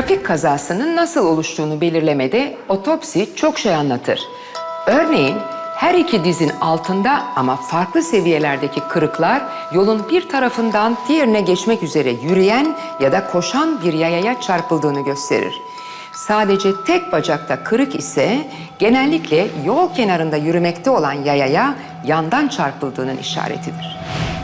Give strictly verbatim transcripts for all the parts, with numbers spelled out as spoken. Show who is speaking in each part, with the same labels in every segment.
Speaker 1: Trafik kazasının nasıl oluştuğunu belirlemede otopsi çok şey anlatır. Örneğin her iki dizin altında ama farklı seviyelerdeki kırıklar yolun bir tarafından diğerine geçmek üzere yürüyen ya da koşan bir yayaya çarpıldığını gösterir. Sadece tek bacakta kırık ise genellikle yol kenarında yürümekte olan yayaya yandan çarpıldığının işaretidir.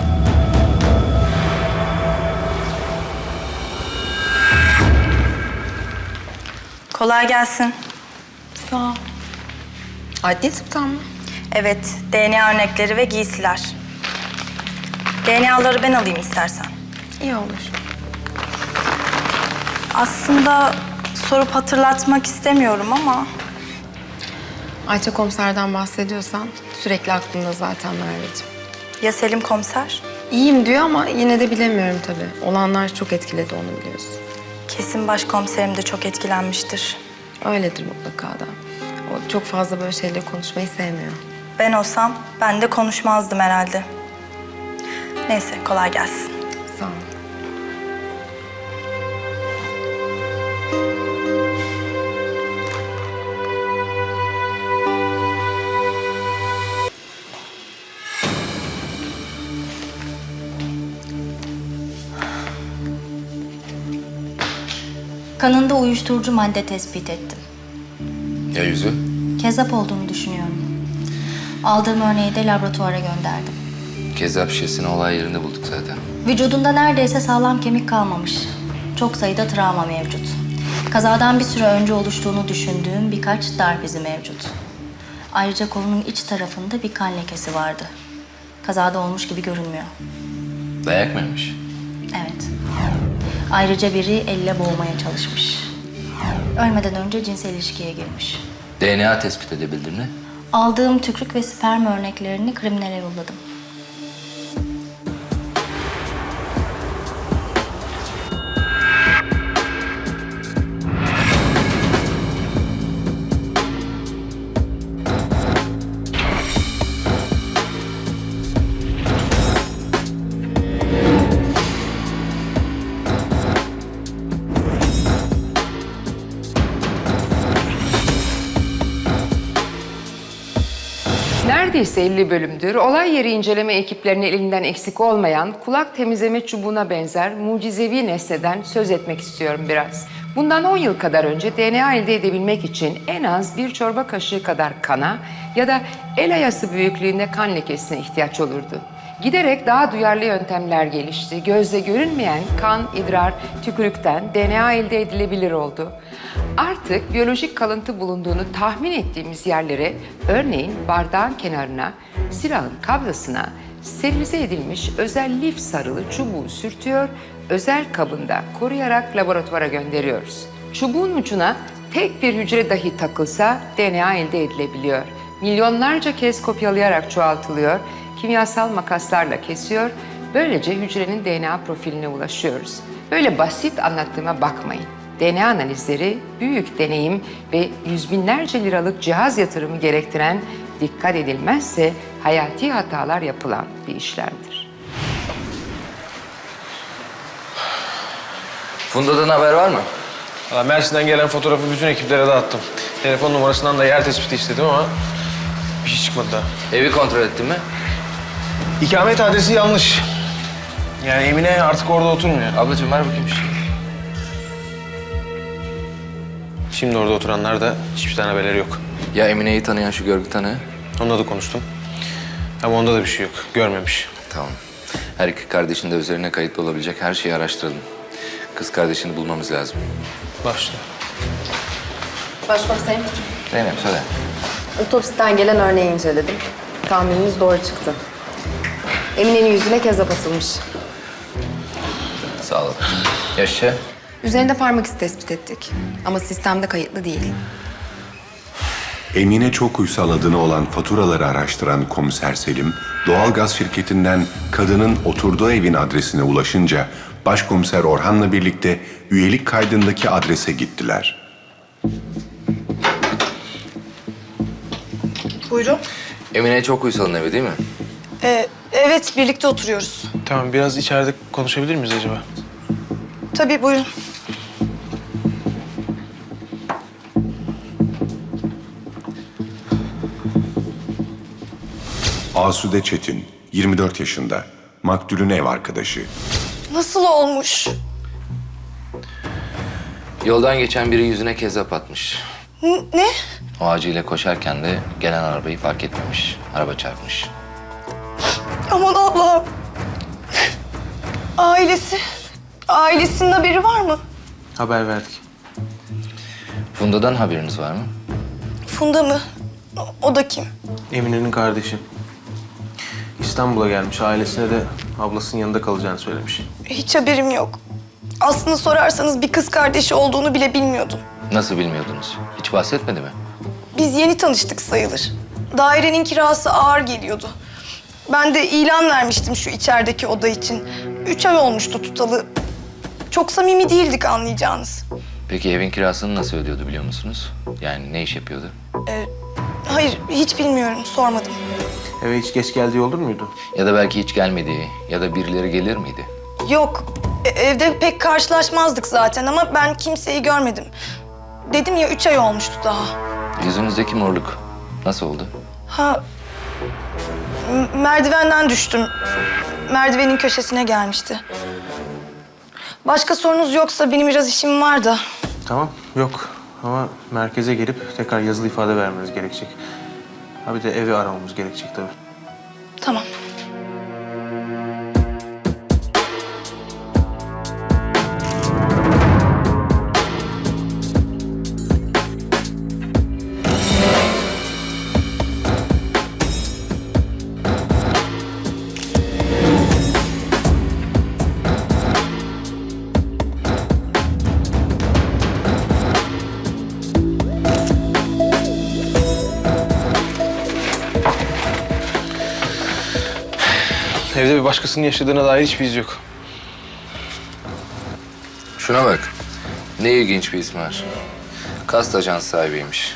Speaker 2: Kolay gelsin.
Speaker 3: Sağ ol. Adli tıptan mı?
Speaker 2: Evet, D N A örnekleri ve giysiler. D N A'ları ben alayım istersen.
Speaker 3: İyi olur.
Speaker 2: Aslında sorup hatırlatmak istemiyorum ama...
Speaker 3: Ayça komiserden bahsediyorsan sürekli aklımda zaten Merveciğim.
Speaker 2: Ya Selim komiser?
Speaker 3: İyiyim diyor ama yine de bilemiyorum tabii. Olanlar çok etkiledi onu biliyorsun.
Speaker 2: Kesin başkomiserim de çok etkilenmiştir.
Speaker 3: Öyledir mutlaka da. O çok fazla böyle şeyleri konuşmayı sevmiyor.
Speaker 2: Ben olsam ben de konuşmazdım herhalde. Neyse, kolay gelsin.
Speaker 3: Sağ ol.
Speaker 4: Kanında uyuşturucu madde tespit ettim.
Speaker 5: Ya yüzü?
Speaker 4: Kezzap olduğunu düşünüyorum. Aldığım örneği de laboratuvara gönderdim.
Speaker 5: Kezzap şişesini olay yerinde bulduk zaten.
Speaker 4: Vücudunda neredeyse sağlam kemik kalmamış. Çok sayıda travma mevcut. Kazadan bir süre önce oluştuğunu düşündüğüm birkaç darp izi mevcut. Ayrıca kolunun iç tarafında bir kan lekesi vardı. Kazada olmuş gibi görünmüyor.
Speaker 5: Dayak mıymış?
Speaker 4: Evet. Ayrıca biri elle boğmaya çalışmış. Ölmeden önce cinsel ilişkiye girmiş.
Speaker 5: D N A tespit edebildin mi?
Speaker 4: Aldığım tükürük ve sperm örneklerini kriminale yolladım.
Speaker 1: Neredeyse elli bölümdür olay yeri inceleme ekiplerinin elinden eksik olmayan kulak temizleme çubuğuna benzer mucizevi nesneden söz etmek istiyorum biraz. Bundan on yıl kadar önce D N A elde edebilmek için en az bir çorba kaşığı kadar kana ya da el ayası büyüklüğünde kan lekesine ihtiyaç olurdu. Giderek daha duyarlı yöntemler gelişti. Gözle görünmeyen kan, idrar, tükürükten D N A elde edilebilir oldu. Artık biyolojik kalıntı bulunduğunu tahmin ettiğimiz yerlere, örneğin bardağın kenarına, silahın kabzasına sterilize edilmiş özel lif sarılı çubuğu sürtüyor, özel kabında koruyarak laboratuvara gönderiyoruz. Çubuğun ucuna tek bir hücre dahi takılsa D N A elde edilebiliyor. Milyonlarca kez kopyalayarak çoğaltılıyor, kimyasal makaslarla kesiyor, böylece hücrenin D N A profiline ulaşıyoruz. Böyle basit anlattığıma bakmayın. D N A analizleri büyük deneyim ve yüz binlerce liralık cihaz yatırımı gerektiren, dikkat edilmezse hayati hatalar yapılan bir işlemdir.
Speaker 5: Funda'dan haber var mı?
Speaker 6: Valla Mersin'den gelen fotoğrafı bütün ekiplere dağıttım. Telefon numarasından da yer tespiti istedim ama bir şey çıkmadı daha.
Speaker 5: Evi kontrol ettin mi?
Speaker 6: İkamet adresi yanlış. Yani Emine artık orada oturmuyor.
Speaker 5: Ablacığım ver bakayım şu şeyi.
Speaker 6: Şimdi orada oturanlar da hiçbir tane haberleri yok.
Speaker 5: Ya Emine'yi tanıyan şu görgü tanığı?
Speaker 6: Onunla da konuştum. Ama onda da bir şey yok. Görmemiş.
Speaker 5: Tamam. Her iki kardeşin de üzerine kayıtlı olabilecek her şeyi araştıralım. Kız kardeşini bulmamız lazım.
Speaker 6: Başla.
Speaker 3: Başkomiserim,
Speaker 5: Zeynep söyle.
Speaker 3: otopsiden gelen örneği inceledim. Tahmininiz doğru çıktı. Emine'nin yüzüne kezzap atılmış.
Speaker 5: Sağ ol. Yaşa.
Speaker 3: Üzerinde parmak izi tespit ettik. Ama sistemde kayıtlı değil.
Speaker 7: Emine Çokuysal adını olan faturaları araştıran komiser Selim, doğalgaz şirketinden kadının oturduğu evin adresine ulaşınca başkomiser Orhan'la birlikte üyelik kaydındaki adrese gittiler.
Speaker 8: Buyurun.
Speaker 5: Emine Çokuysal'ın evi değil mi?
Speaker 8: Ee, evet, birlikte oturuyoruz.
Speaker 6: Tamam, biraz içeride konuşabilir miyiz acaba?
Speaker 8: Tabii, buyurun.
Speaker 7: Asude Çetin, yirmi dört yaşında, maktulün ev arkadaşı.
Speaker 8: Nasıl olmuş?
Speaker 5: Yoldan geçen biri yüzüne kezzap atmış.
Speaker 8: N- ne?
Speaker 5: O acıyla koşarken de gelen arabayı fark etmemiş. Araba çarpmış.
Speaker 8: Aman Allah'ım. Ailesi? Ailesinin haberi var mı?
Speaker 6: Haber verdik.
Speaker 5: Funda'dan haberiniz var mı?
Speaker 8: Funda mı? O, o da kim?
Speaker 6: Emine'nin kardeşi. İstanbul'a gelmiş. Ailesine de ablasının yanında kalacağını söylemiş.
Speaker 8: Hiç haberim yok. Aslında sorarsanız bir kız kardeşi olduğunu bile bilmiyordum.
Speaker 5: Nasıl bilmiyordunuz? Hiç bahsetmedi mi?
Speaker 8: Biz yeni tanıştık sayılır. Dairenin kirası ağır geliyordu. Ben de ilan vermiştim şu içerideki oda için. Üç ay olmuştu tutalı. Çok samimi değildik anlayacağınız.
Speaker 5: Peki evin kirasını nasıl ödüyordu biliyor musunuz? Yani ne iş yapıyordu?
Speaker 8: Ee, hayır, hiç bilmiyorum, sormadım.
Speaker 6: Eve hiç geç geldiği olur muydu?
Speaker 5: Ya da belki hiç gelmediği ya da birileri gelir miydi?
Speaker 8: Yok, e- evde pek karşılaşmazdık zaten ama ben kimseyi görmedim. Dedim ya, üç ay olmuştu daha.
Speaker 5: Yüzünüzdeki morluk nasıl oldu?
Speaker 8: Ha, m- merdivenden düştüm. Merdivenin köşesine gelmişti. Başka sorunuz yoksa benim biraz işim var da.
Speaker 6: Tamam, yok. Ama merkeze gelip tekrar yazılı ifade vermeniz gerekecek. Ha bir de evi aramamız gerekecek tabii.
Speaker 8: Tamam.
Speaker 6: Evde bir başkasının yaşadığına dair hiçbir iz yok.
Speaker 5: Şuna bak. Ne ilginç bir ismi var. Kast ajans sahibiymiş.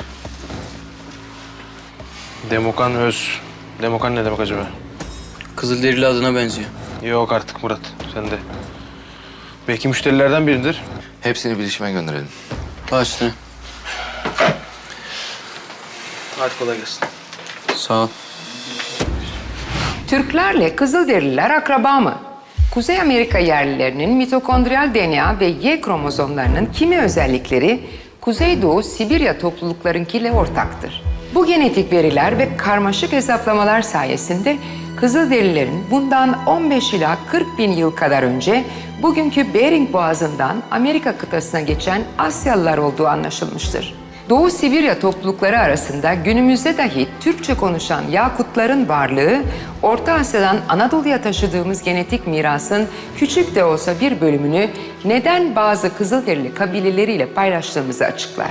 Speaker 6: Demokan Öz. Demokan ne demek acaba?
Speaker 9: Kızılderili adına benziyor.
Speaker 6: Yok artık Murat, sen de. Belki müşterilerden biridir.
Speaker 5: Hepsini bilişime gönderelim.
Speaker 9: Başla.
Speaker 6: Hadi kolay gelsin.
Speaker 9: Sağ ol.
Speaker 1: Türklerle Kızılderililer akraba mı? Kuzey Amerika yerlilerinin mitokondriyal D N A ve Y kromozomlarının kimi özellikleri Kuzeydoğu Sibirya topluluklarınkiyle ortaktır. Bu genetik veriler ve karmaşık hesaplamalar sayesinde Kızılderililerin bundan on beş ila kırk bin yıl kadar önce bugünkü Bering Boğazı'ndan Amerika kıtasına geçen Asyalılar olduğu anlaşılmıştır. Doğu Sibirya toplulukları arasında günümüzde dahi Türkçe konuşan Yakutların varlığı, Orta Asya'dan Anadolu'ya taşıdığımız genetik mirasın küçük de olsa bir bölümünü neden bazı Kızılderili kabileleriyle paylaştığımızı açıklar.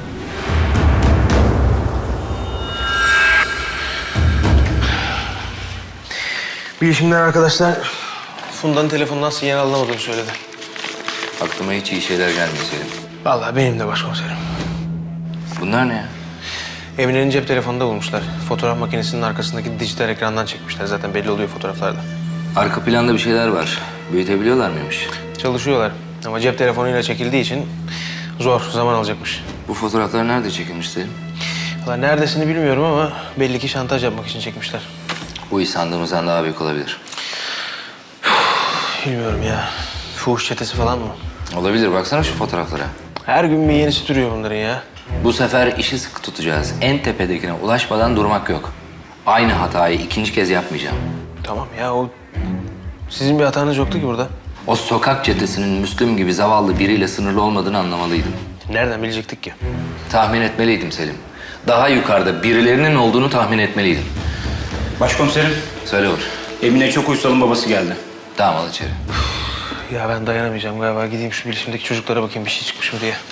Speaker 6: Bilişimden arkadaşlar Funda'nın telefonundan sinyal alamadığını söyledi.
Speaker 5: Aklıma hiç iyi şeyler gelmiyor Selim.
Speaker 6: Vallahi benim de başkomiserim.
Speaker 5: Bunlar ne ya?
Speaker 6: Emine'nin cep telefonunda bulmuşlar. Fotoğraf makinesinin arkasındaki dijital ekrandan çekmişler. Zaten belli oluyor fotoğraflarda.
Speaker 5: Arka planda bir şeyler var. Büyütebiliyorlar mıymış?
Speaker 6: Çalışıyorlar ama cep telefonuyla çekildiği için zor, zaman alacakmış.
Speaker 5: Bu fotoğraflar nerede çekilmiş Selim?
Speaker 6: Valla neredesini bilmiyorum ama belli ki şantaj yapmak için çekmişler.
Speaker 5: Bu iş sandığımızdan daha büyük olabilir.
Speaker 6: Bilmiyorum ya. Fuhuş çetesi falan mı?
Speaker 5: Olabilir. Baksana şu fotoğraflara.
Speaker 6: Her gün bir yenisi türüyor bunların ya.
Speaker 5: Bu sefer işi sıkı tutacağız. En tepedekine ulaşmadan durmak yok. Aynı hatayı ikinci kez yapmayacağım.
Speaker 6: Tamam ya, o sizin bir hatanız yoktu ki burada.
Speaker 5: O sokak çetesinin Müslüm gibi zavallı biriyle sınırlı olmadığını anlamalıydım.
Speaker 6: Nereden bilecektik ki?
Speaker 5: Tahmin etmeliydim Selim. Daha yukarıda birilerinin olduğunu tahmin etmeliydim.
Speaker 10: Başkomiserim,
Speaker 5: Söyle Uğur.
Speaker 10: Emine çok uysalın babası geldi.
Speaker 5: Tamam al içeri.
Speaker 6: Ya ben dayanamayacağım galiba. Gideyim şu bilişimdeki çocuklara bakayım bir şey çıkmış mı diye.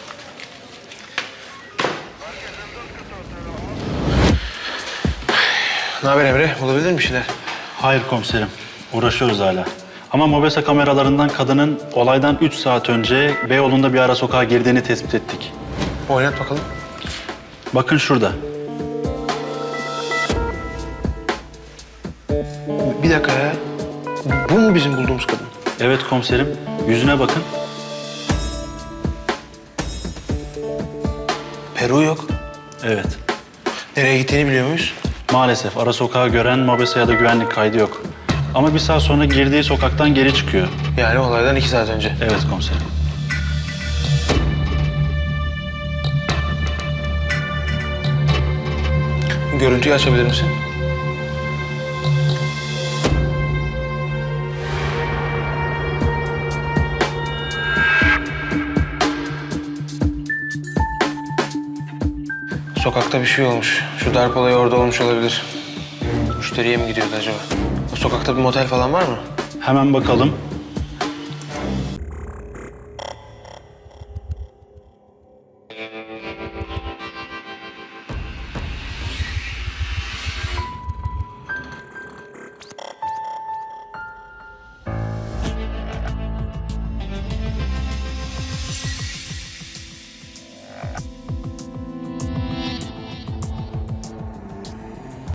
Speaker 6: Ne haber Emre? Bulabildin mi bir şeyler?
Speaker 11: Hayır komiserim. Uğraşıyoruz hala. Ama mobese kameralarından kadının olaydan üç saat önce Beyoğlu'nda bir ara sokağa girdiğini tespit ettik.
Speaker 6: Oynat bakalım.
Speaker 11: Bakın şurada.
Speaker 6: Bir dakika ya. Bu mu bizim bulduğumuz kadın?
Speaker 11: Evet komiserim. Yüzüne bakın.
Speaker 6: Peru yok.
Speaker 11: Evet.
Speaker 6: Nereye gittiğini biliyor muyuz?
Speaker 11: Maalesef ara sokağı gören mobese ya da güvenlik kaydı yok. Ama bir saat sonra girdiği sokaktan geri çıkıyor.
Speaker 6: Yani olaydan iki saat önce.
Speaker 11: Evet komiserim.
Speaker 6: Görüntüyü açabilir misin? Sokakta bir şey olmuş. Şu darp olayı orada olmuş olabilir. Müşteriye mi gidiyordu acaba? O sokakta bir motel falan var mı?
Speaker 11: Hemen bakalım.